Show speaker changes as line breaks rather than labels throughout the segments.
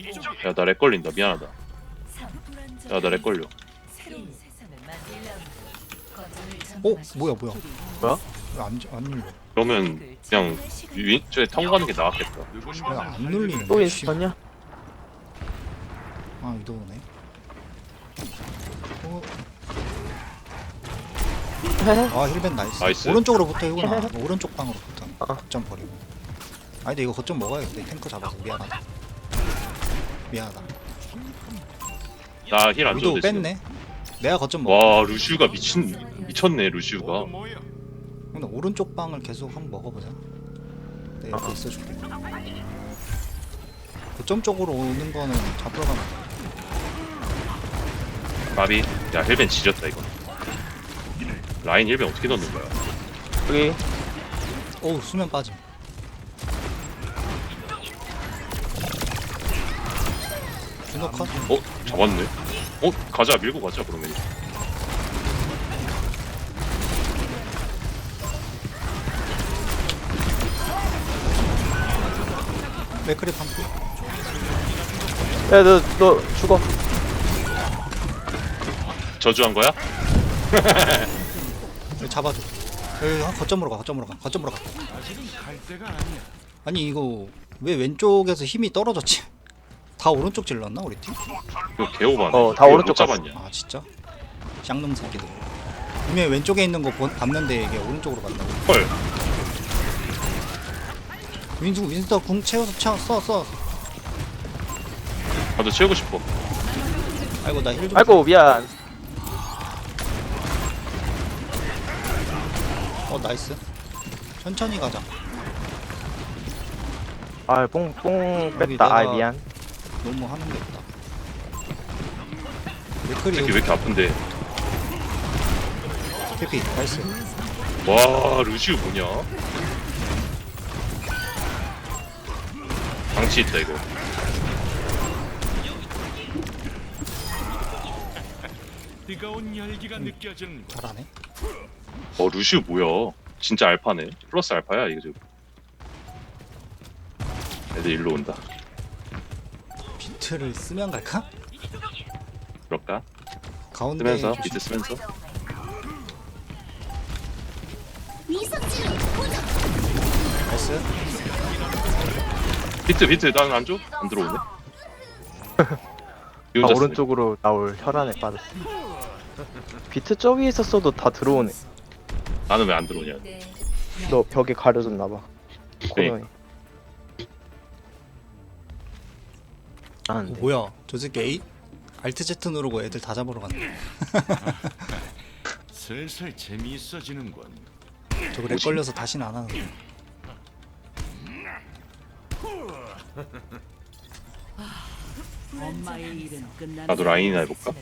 야 나 렉 걸린다 미안하다. 야 나 렉 걸려.
뭐야
뭐야?
왜안 눌려?
그러면 그냥 윈쪽에 턴 가는 게 나았겠다.
왜안 눌리는
또
거야?
인스턴이야?
아 이도네. 아 힐벤 나이스.
나이스.
오른쪽으로 붙어 이구나. 오른쪽 방으로 붙어.
아.
거점 버리고. 아니 근데 이거 거점 먹어야겠다. 탱커 잡아서 미안하다. 미안하다.
나 힐 안
위도
줘도 돼.
뺐네. 내가 거점 먹어.
와 루시우가 미쳤네 루시우가.
근데 오른쪽 방을 계속 한번 먹어보자. 내가 옆에 있어줄게. 거점 쪽으로 오는 거는 잡으러 가면 돼.
마비. 야 힐벤 지렸다 이거. 라인 힐벤 어떻게 넣는 거야?
여기
어우 수면 빠짐. 준호 컷?
잡았네. 가자 밀고 가자 그러면.
맥크리 반피.
야너 죽어.
저주한 거야?
여기 잡아줘. 여기 거점으로 가. 거점으로 가. 아니 이거 왜 왼쪽에서 힘이 떨어졌지? 다 오른쪽 질렀나 우리 팀?
이거 개오바네.
다
이걸
오른쪽
못 잡았냐?
아 진짜? 쌍놈 새끼들. 분명히 왼쪽에 있는 거 봤는데 이게 오른쪽으로 간다고.
헐.
윈스터 궁 채워서 써.
나도 채우고 싶어.
아이고 나 힐 좀.
아이고 미안.
나이스. 천천히 가자.
아 뽕
여기
뺐다. 아
내가-
미안.
너무 하는 게 없다.
새끼 왜
맥크리
이렇게 아픈데?
캐피 나이스.
와 루시우 뭐냐? 방치 있다 이거.
뜨거운 열기가 느껴지는
잘하네.
루시우 뭐야? 진짜 알파네. 플러스 알파야 이거 지금. 애들 일로 온다.
비트를 쓰면 갈까?
그럴까?
가운데
쓰면서
조심.
비트 쓰면서.
나이스.
비트 나는 안 줘? 안 들어오네. 이
아
혼자 쓰네.
오른쪽으로 나올 혈안에 빠졌어. 비트 저기 있었어도 다 들어오네.
나는 왜 안 들어오냐?
너 벽에 가려졌나봐. 코너에. 안돼.
뭐야 저 새끼 A? 알트 Z 누르고 애들 다 잡으러 갔네.
슬슬 재미있어지는군.
저거 렉 걸려서 다시는 안 하는데.
나도 라인이나 해볼까?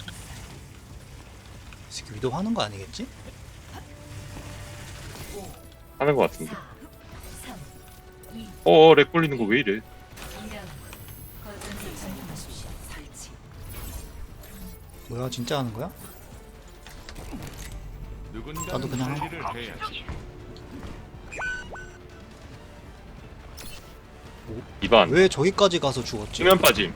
이 새끼 위도 하는 거 아니겠지?
하는 거 같은데. 렉 걸리는 거 왜 이래?
뭐야 진짜 하는 거야?
누군가
나도 그냥
처리를 해야지.
이반.
왜 저기까지 가서 죽었지?
수면 빠짐.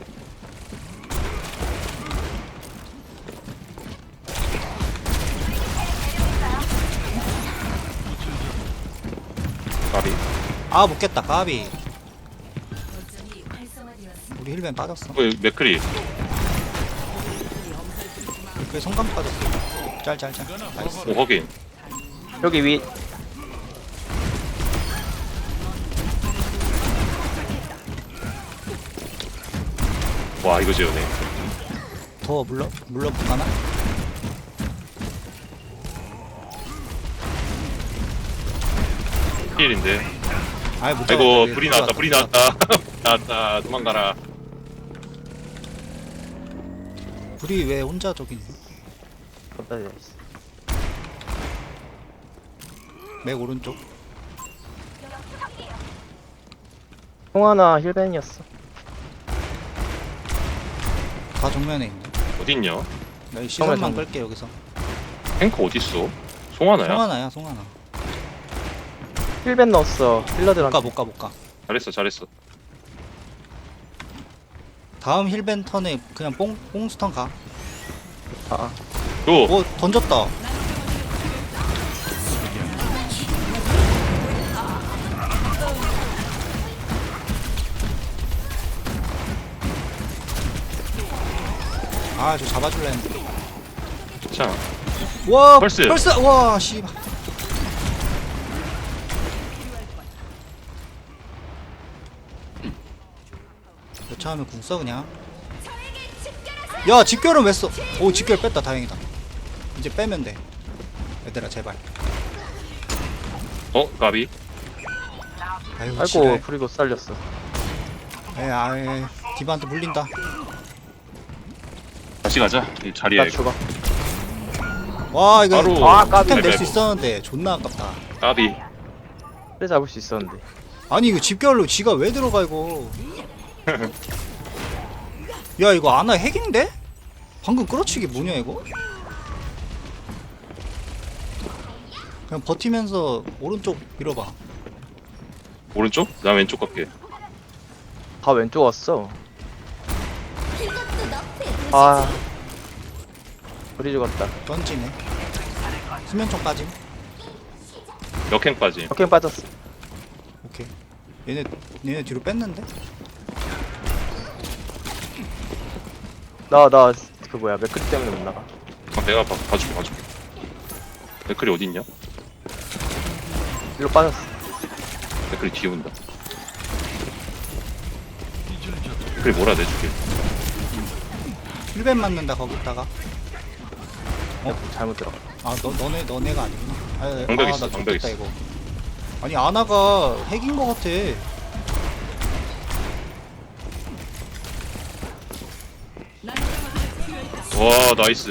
까비.
아 못겠다 까비. 우리 힐벤 빠졌어.
맥크리.
그 성감 빠졌어. 짤. 나이스.
확인.
여기 위.
와 이거 재우네.
더 물러볼까나?
힐인데.
아이 못
아이고
잡았다.
불이 나왔다. 불이 나왔다. 나왔다. 도망가라.
불이 왜 혼자 저기 있니?
걷다 있어.
맥 오른쪽.
홍하나 힐벤이었어.
다 정면에 있네.
어딨냐?
나 이 시선만
정면.
끌게 여기서.
탱크 어딨어? 송하나야?
송하나.
힐벤 넣었어. 힐러들한테.
못 가.
잘했어.
다음 힐벤 턴에 그냥 뽕스턴 가.
아,
또
오 던졌다. 아 저 잡아줄래 했는데.
자,
와
펄스.
와 씨발. 여차하면 궁 써 그냥. 야 집결은 왜 써? 오 집결 뺐다 다행이다. 이제 빼면 돼. 얘들아 제발.
까비.
아이고
아이고
지랄.
프리고 살렸어.
아이 디바한테 물린다.
다시 가자. 이 자리에
나 죽어.
와 이거
바로
아, 까비.
템 낼 수
레벨.
있었는데 존나 아깝다.
까비.
그래 잡을 수 있었는데.
아니 이거 집결로 지가 왜 들어가 이거. 야 이거 아나 핵인데? 방금 끌어치기 뭐냐 이거? 그냥 버티면서 오른쪽 밀어봐.
오른쪽? 나 왼쪽 갈게.
다 왼쪽 왔어. 아, 우리 죽었다.
던지네. 수면총 빠짐.
역행까지.
오케이 빠졌어.
오케이. 얘네 뒤로 뺐는데?
나 그 뭐야 맥크리 때문에 못 나가.
내가 봐줄게. 맥클이 어디 있냐?
일로 빠졌어.
맥클이 뒤에 온다. 맥클이 뭐라 내줄게.
힐벤 맞는다 거기다가.
잘못 들어가.
아 너네가 아니구나.
방벽
나
있어, 방벽
좋겠다
있어.
이거. 아니 아나가 핵인 거 같아.
와 나이스.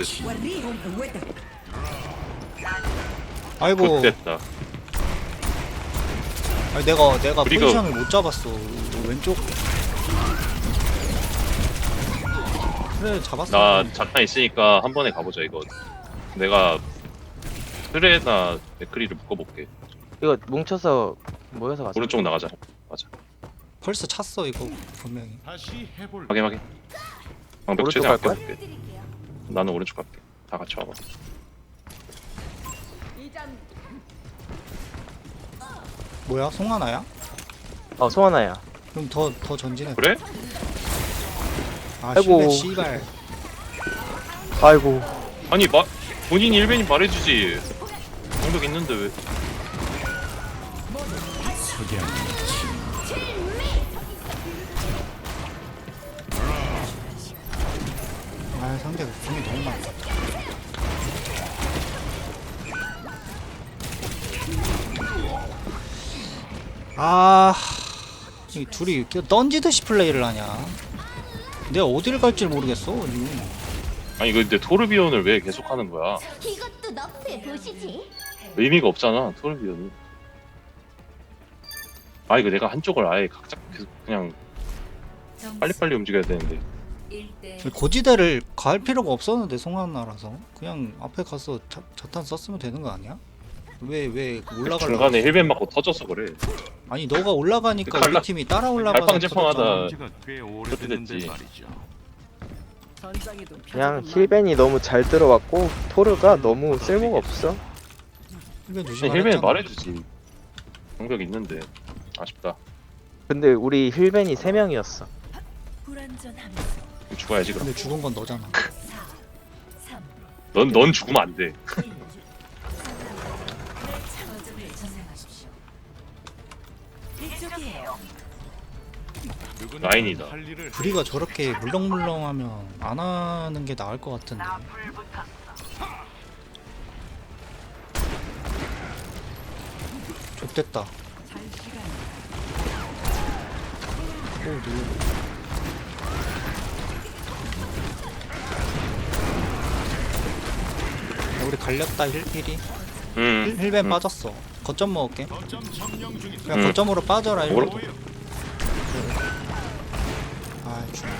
아이고.
굿됐다.
아니 내가
그리고-
포지션을 못 잡았어. 왼쪽. 그래 잡았어.
나 자탄 있으니까 한 번에 가보자 이거. 내가 트레나 맥크리를 묶어볼게.
이거 뭉쳐서 모여서 가자.
오른쪽 나가자. 맞아.
벌써 찼어 이거 분명히.
다시 해볼.
확인. 방벽
오른쪽
최대한
갈 거야?
아껴볼게. 나는 오른쪽 갈게. 다 같이 와봐.
뭐야 송하나야?
소환아야.
그럼 더 전진해.
그래?
아
아이고.
씨발.
아이고.
아니 본인이 일벤이 말해주지. 방벽 있는데 왜?
아 상대가 궁이 너무 많다. 아, 이 둘이 이렇게 던지듯이 플레이를 하냐? 내가 어디를 갈지 모르겠어 지금.
아니 이거 근데 토르비온을 왜 계속 하는 거야?
이것도 너프에 보시지.
의미가 없잖아 토르비온이. 아 이거 내가 한쪽을 아예 각자 계속 그냥 빨리빨리 움직여야 되는데.
고지대를 갈 필요가 없었는데 송하나라서 그냥 앞에 가서 자탄 썼으면 되는 거 아니야? 왜 올라가려고?
중간에 힐벤 맞고 터져서 그래.
아니 너가 올라가니까
칼라-
우리 팀이 따라 올라가서
갈팡질팡하다.
터졌잖아.
지가 꽤
그렇게
오래됐는데
됐지.
말이죠.
그냥 힐벤이 너무 잘 들어왔고 토르가 너무 쓸모가 없어.
힐벤
근데
조심하라
힐벤
했잖아.
말해주지. 방벽 있는데 아쉽다.
근데 우리 힐벤이 3명이었어.
죽어야지 그럼.
근데 죽은 건 너잖아.
넌 죽으면 안 돼.
누군가
라인이다.
할 일을
브리가 저렇게 물렁물렁하면 안 하는 게 나을 것 같은데. 좆됐다. 오 누구? 야, 우리 갈렸다 힐이. 힐벤 빠졌어. 거점 먹을게.
거점 점령 중이다.
그냥 거점으로 빠져라 일로.
먹으러
아 죽네.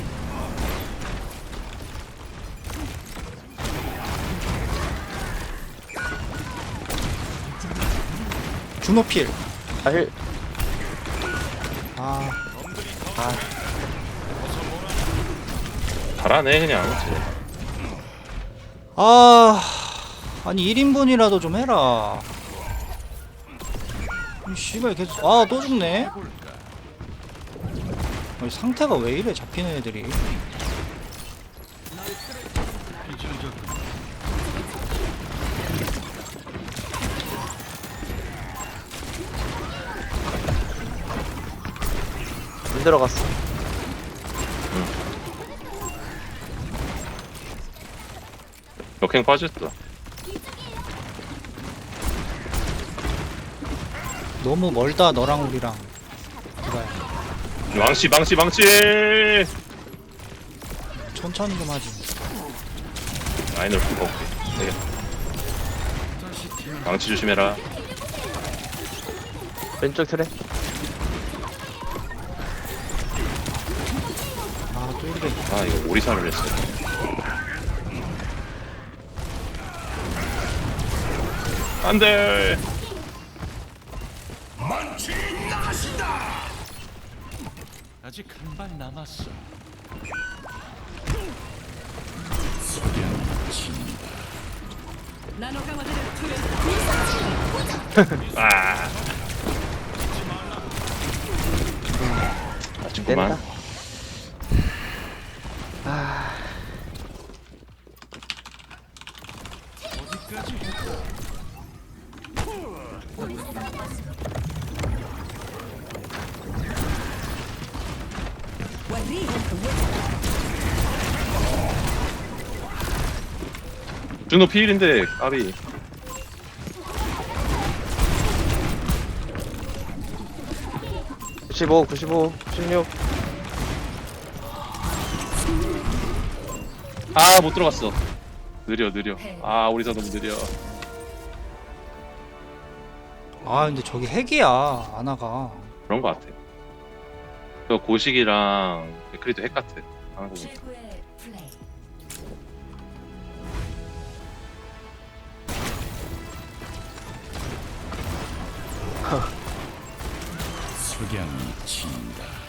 주노필.
아, 힐.
아.
잘하네 그냥.
아 아니 1인분이라도 좀 해라. 이 씨발 계속 또 죽네. 아니, 상태가 왜 이래 잡히는 애들이.
안 들어갔어.
역행 빠졌다.
너무 멀다 너랑 우리랑. 그래
망치 망치 망치.
천천히 좀 하지.
라인을 풀고 올게. 되겠다. 망치 조심해라.
왼쪽 트랙.
또 이래.
이거 오리사를 했어. 안돼.
아직 한 발 남았어.
아. 아쉽구만.
낸다.
어디까지 해?
준호 피일인데 까비.
(95) 95 16.
못 들어갔어. 느려. 오리사 너무 느려.
근데 저기 핵이야 아나가.
그런 거 같아. 저 고식이랑 데크리도 핵 같아. 하는 거 보니까.
최고의 플레이.
석양이 친다.